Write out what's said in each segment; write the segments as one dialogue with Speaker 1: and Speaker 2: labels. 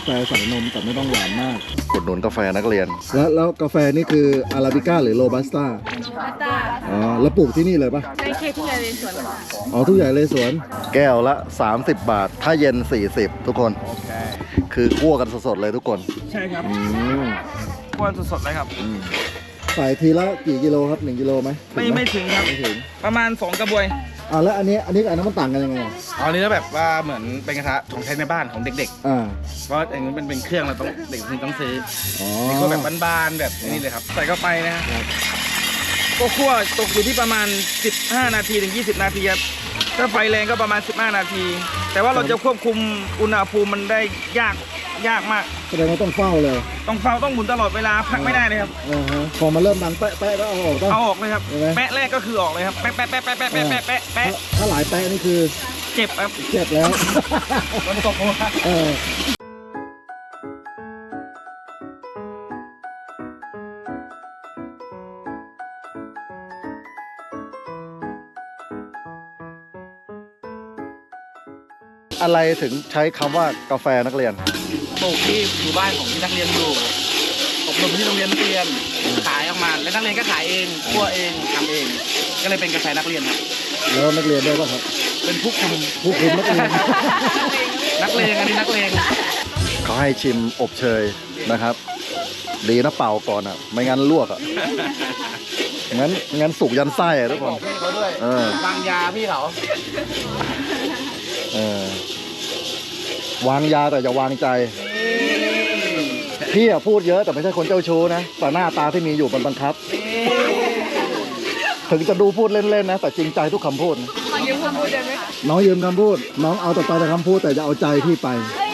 Speaker 1: แฟใส่นมแต่ไม่ต้องหวานมาก
Speaker 2: กดหนุนกาแฟนักเรียน
Speaker 1: แล้วกาแฟนี่คืออาราบิก้าหรือโรบัสต้าอ๋อแล้วปลูกที่นี่เลยปะ
Speaker 3: ในเขตทุ่งใหญ่เลยสวนค่ะ
Speaker 1: อ๋อทุ่งใหญ่เลยสวน
Speaker 2: แก้วละ30 บาทถ้าเย็น40ทุกคนคือคั่วกันสดๆเลยทุกคน
Speaker 4: ใช่ครับคั่วสดๆเลยครับ
Speaker 1: ใส่ทีละกี่กิโลครับ1 กิโลไหม
Speaker 4: ไม่ถึงครับไม่ถึงประมาณ2 กระบวย
Speaker 1: แล้วอันนี้กับอันนั้นมันต่างกันยังไง
Speaker 4: อันนี้แบบว่าเหมือนเป็นกระทะของใช้ในบ้านของเด็กๆเพราะอันนี้มันเป็นเครื่องเราต้องเด็กต้องซื้อนี่ก็แบบบานๆแบบนี้เลยครับใส่เข้าไปนะครับก็คั่วตกอยู่ที่ประมาณ15 นาทีถึง20 นาทีครับถ้าไฟแรงก็ประมาณ15 นาทีแต่ว่าเราจะควบคุมอุณหภูมิมันได้ยากมาก
Speaker 1: แสดงว่าต้องเฝ้าเลย
Speaker 4: ต้องหมุนตลอดเวลาพักไม่ได้เลยครับ
Speaker 1: พอมาเริ่มดังแปะก็เอาออก
Speaker 4: เลยครับแปะแรกก็คือออกเลยครับแปะ
Speaker 1: ถ้าหลายแปะนี่คือ
Speaker 4: เจ็บครับ
Speaker 1: เจ็บแล้ว
Speaker 4: มันตกลงมา
Speaker 2: อะไรถึงใช้คำว่ากาแฟนักเรียน
Speaker 4: ปลูกที่หมู่บ้านของที่นักเรียนอยู่อบรมที่โรงเรียนนักเรียนขายออกมาและนักเรียนก็ขายเองคั่วเองทำเองก็เลยเป็นกาแฟนักเรียนครับ
Speaker 1: แล้วนักเรียนได้ป่ะครับ
Speaker 4: เป็นผู้คุม
Speaker 1: นักเรียน
Speaker 4: นักเลงอันนี้นักเลง
Speaker 2: เขาให้ชิมอบเชยนะครับดีนะเป่าก่อนไม่งั้นลวกงั้นสุกยันไส้ทุกคน
Speaker 4: เขาด้วยวางยาพี่เขา
Speaker 2: วางยาแต่อย่าวางใจพี่พูดเยอะแต่ไม่ใช่คนเจ้าชู้นะแต่หน้าตาที่มีอยู่มันบังคับถึงจะดูพูดเล่นๆนะแต่จริงใจทุกคำพูด
Speaker 3: น้องยืมคำพูดได้ไหม
Speaker 1: น้องยืมคำพูดน้องเอาแต่ไปแต่คำพูดแต่จะเอาใจพี่ไป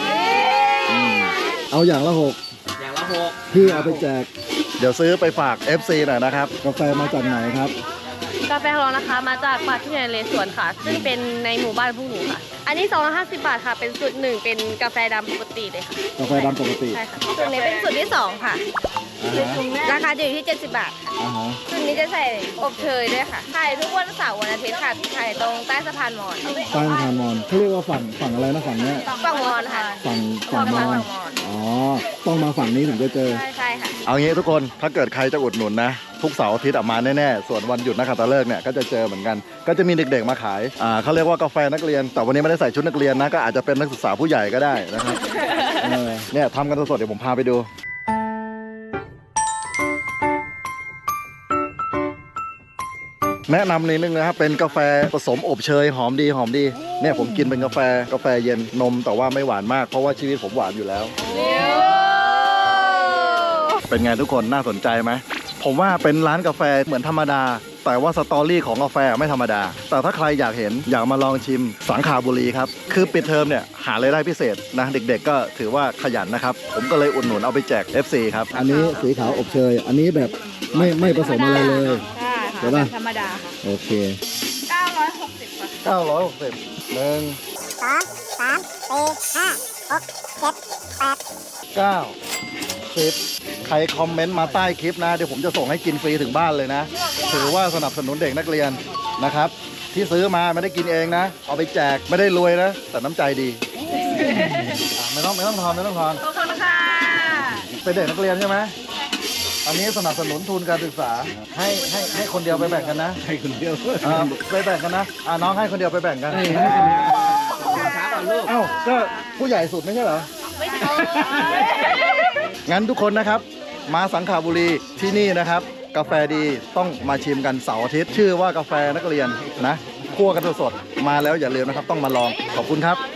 Speaker 1: เอาอย่างละ6พี่เอาไปแจก
Speaker 2: เดี๋ยวซื้อไปฝาก FC หน่อยนะครับ
Speaker 1: กาแฟมาจากไหนครับ
Speaker 3: กาแฟของเรานะคะมาจากป่าทุ่งใหญ่เลยสวนค่ะซึ่งเป็นในหมู่บ้านพวกหนูค่ะอันนี้250 บาทค่ะเป็นสูตร1เป็นกาแฟดำปกติเลยค่ะ
Speaker 1: กาแฟดำปกติ
Speaker 3: ใช่ค่ะสูตรนี้เป็นสูตรที่2ค่ะราคาอยู่ที่70 บาทสูตรนี้จะใส่อบเชยด้วยค่ะขายทุกวันเสาร์วันอาทิตย์ค่ะขายตรงใต้สะพานมอญ
Speaker 1: ใต้สะพานมอญเขาเรียกว่าฝั่งอะไรนะฝั่งนี้
Speaker 3: ฝั่งมอญค่ะ
Speaker 1: ฝั่งมอญต้องมาฝั่งนี้ถึงจะเจอ
Speaker 3: ใช่ค่ะ
Speaker 2: เอางี้ทุกคนถ้าเกิดใครจะอุดหนุนนะทุกเสาร์อาทิตย์มาแน่ๆส่วนวันหยุดนักขัตฤกษ์เนี่ยก็จะเจอเหมือนกันก็จะมีเด็กๆมาขายเขาเรียกว่ากาแฟนักเรียนแต่วันนี้ไม่ได้ใส่ชุดนักเรียนนะก็อาจจะเป็นนักศึกษาผู้ใหญ่ก็ได้นะครับเนี่ยทำกันสดๆเดี๋ยวผมพาไปดูแนะนำนิดนึงนะครับเป็นกาแฟผสมอบเชยหอมดีเนี่ยผมกินเป็นกาแฟเย็นนมแต่ว่าไม่หวานมากเพราะว่าชีวิตผมหวานอยู่แล้วเป็นไงทุกคนน่าสนใจไหมผมว่าเป็นร้านกาแฟเหมือนธรรมดาแต่ว่าสตอรี่ของกาแฟไม่ธรรมดาแต่ถ้าใครอยากมาลองชิมสังขบุรีครับคือปิดเทอมเนี่ยหารายได้พิเศษนะเด็กๆก็ถือว่าขยันนะครับผมก็เลยอุดหนุนเอาไปแจก FC ครับ
Speaker 1: อันนี้สีขาวอบเชยอันนี้แบบไม่ผสมอะไรเลย
Speaker 3: ใช่ป่ะธรรมดา
Speaker 1: โอเค
Speaker 3: 960ค่ะ
Speaker 2: 960 1 2 3 4 5 6 7 8 9 10ใครคอมเมนต์มาใต้คลิปนะเดี๋ยวผมจะส่งให้กินฟรีถึงบ้านเลยนะถือว่าสนับสนุนเด็กนักเรียนนะครับที่ซื้อมาไม่ได้กินเองนะเอาไปแจกไม่ได้รวยนะแต่น้ำใจดีไม่ต้องทอน
Speaker 3: ขอบคุณค่ะ
Speaker 2: เป็นเด็กนักเรียนใช่ไหมอันนี้สนับสนุนทุนการศึกษาให้คนเดียวไปแบ่งกันนะ
Speaker 1: ให้คนเดียว
Speaker 2: ไปแบ่งกันนะน้องให้คนเดียวไปแบ่งกันเอ้าก็ผู้ใหญ่สุดไม่ใช่เหรอ
Speaker 3: ไม่ใช่
Speaker 2: งั้นทุกคนนะครับมาสังขบุรีที่นี่นะครับกาแฟดีต้องมาชิมกันเสาร์อาทิตย์ชื่อว่ากาแฟนักเรียนนะคั่วกันสดๆมาแล้วอย่าลืมนะครับต้องมาลองขอบคุณครับ